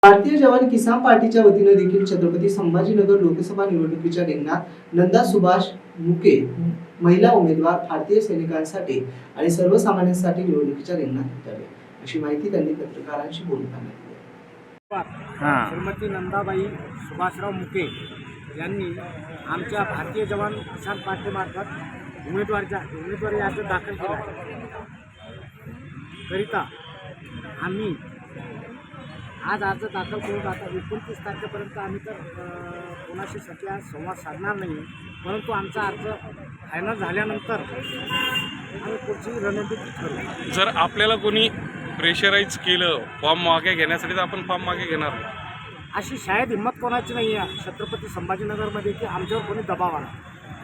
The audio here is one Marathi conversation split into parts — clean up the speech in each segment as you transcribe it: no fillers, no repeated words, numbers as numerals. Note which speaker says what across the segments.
Speaker 1: भारतीय जवान किसान पार्टीच्या वतीने देखील छत्रपती संभाजीनगर लोकसभा निवडणुकीच्या रिंगणात नंदा सुभाष मुके महिला उमेदवार भारतीय सैनिकांसाठी आणि सर्वसामान्यांसाठी निवडणुकीच्या रिंगणात उतरले, अशी माहिती त्यांनी पत्रकारांशी बोलताना दिली.
Speaker 2: श्रीमती नंदाबाई सुभाषराव मुके यांनी आमच्या भारतीय जवान किसान पार्टीमार्फत उमेदवारी अर्ज दाखल केला आहे. करिता आम्ही आज अर्ज दाखल करून आता 29 तारखेपर्यंत आम्ही तर कोणाशी सध्या संवाद साधणार नाही, परंतु आमचा अर्ज फायनल झाल्यानंतर आम्ही पुढची रणनीती ठरवू.
Speaker 3: जर आपल्याला कोणी प्रेशराईज केलं फॉर्म मागे घेण्यासाठी तर आपण फॉर्म मागे घेणार,
Speaker 2: अशी शायद हिंमत कोणाची नाही आहे छत्रपती संभाजीनगरमध्ये की आमच्यावर कोणी दबाव आला.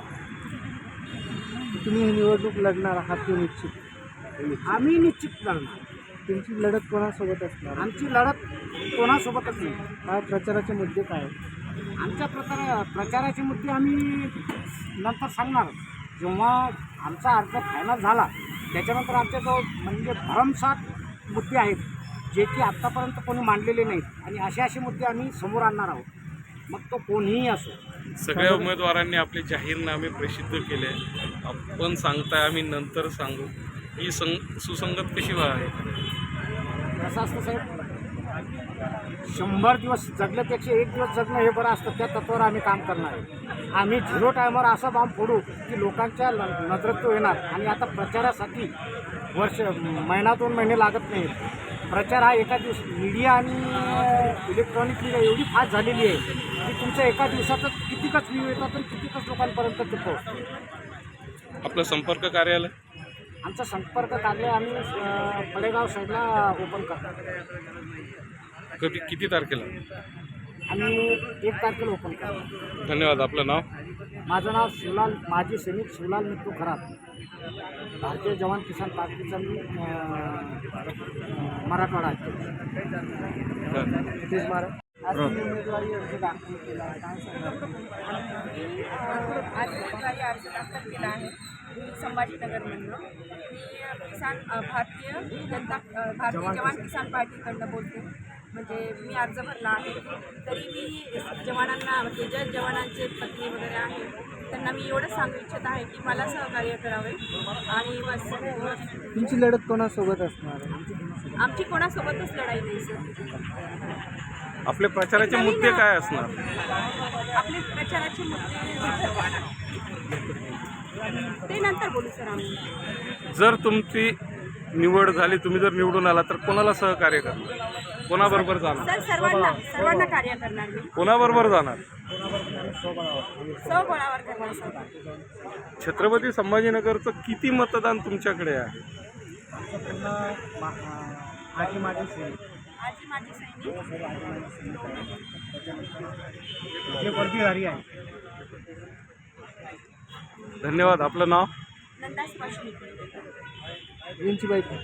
Speaker 1: तुम्ही ही निवडणूक लढणार आहात की निश्चित?
Speaker 2: आम्ही निश्चित लढणार.
Speaker 1: तुमची लढत कोणासोबत असणार?
Speaker 2: आमची लढत कोणासोबतच नाही.
Speaker 1: काय प्रचाराचे मुद्दे काय?
Speaker 2: आमच्या प्रचाराचे मुद्दे आम्ही नंतर सांगणार. जेव्हा आमचा अर्ज फायनल झाला त्याच्यानंतर आमच्याजवळ म्हणजे भरमसाठ मुद्दे आहेत जे की आत्तापर्यंत कोणी मांडलेले नाहीत आणि असे मुद्दे आम्ही समोर आणणार आहोत, मग तो कोणीही असो.
Speaker 3: सगळ्या उमेदवारांनी आपले जाहीरनामे प्रसिद्ध केले. आपण सांगताय आम्ही नंतर सांगू, ही सुसंगत कशी आहे?
Speaker 2: कसं असतं साहेब, 100 दिवस जगल्यापेक्षा 1 दिवस जगणं हे बरं असतं. त्या तत्त्वावर आम्ही काम करणार आहे. आम्ही 0 टायमावर असा बॉम्ब फोडू की लोकांच्या नजरेत तो येणार. आणि आता प्रचारासाठी महिना 2 महिने लागत नाही. प्रचार हा एका दिवस मीडिया आणि इलेक्ट्रॉनिक मीडिया एवढी फास्ट झालेली आहे की तुमच्या एका दिवसातच कितीकच व्ह्यू येतात आणि कितीकच लोकांपर्यंत ते पोहोचतं.
Speaker 3: आपलं संपर्क कार्यालय?
Speaker 2: आमचा संपर्क कार्यालय आम्ही पडेगाव साईडला ओपन करतो.
Speaker 3: किती तारखेला?
Speaker 2: आम्ही 1 तारखेला ओपन करतो.
Speaker 3: धन्यवाद. आपलं नाव?
Speaker 2: माझं नाव शिवलाल, माजी सैनिक शिवलाल मित्तू खरात, भारतीय जवान किसान पार्टीचा मी मराठवाडा अध्यक्ष. आज उमेदवारी अर्ज दाखल केला आहे, काय सांगणार?
Speaker 4: आज उमेदवारी अर्ज दाखल केला आहे संभाजीनगरमधनं. मी भारतीय जवान किसान पार्टीकडनं बोलते. म्हणजे मी अर्ज भरला आहे. तरी मी जवानांना म्हणजे ज्या जवानांचे पत्नी वगैरे आहेत त्यांना मी एवढंच सांगू इच्छित आहे की मला सहकार्य करावे आणि बस.
Speaker 1: तुमची लढत कोणासोबत असणार?
Speaker 4: आमची कोणासोबतच लढाई नाही सर.
Speaker 3: आपले प्रचाराचे मुद्दे काय असणार?
Speaker 4: आपले प्रचाराचे मुद्दे ते नंतर बोलू सर आम्ही.
Speaker 3: जर तुमची निवड झाली, तुम्ही जर निवडून आला तर कोणाला सहकार्य करणार? कोणाबरोबर जाणार?
Speaker 4: सर सर्वांना कार्य करणार मी.
Speaker 3: कोणाबरोबर जाणार?
Speaker 4: स्वबळावर करणार सर.
Speaker 3: छत्रपती संभाजीनगरचं किती मतदान तुमच्याकडे आहे?
Speaker 2: आजी माझी सैनिक जे वर्दीधारी आहे.
Speaker 3: धन्यवाद. आपलं नाव?
Speaker 4: नंदा सुभाष मुके.
Speaker 1: यांची बाईक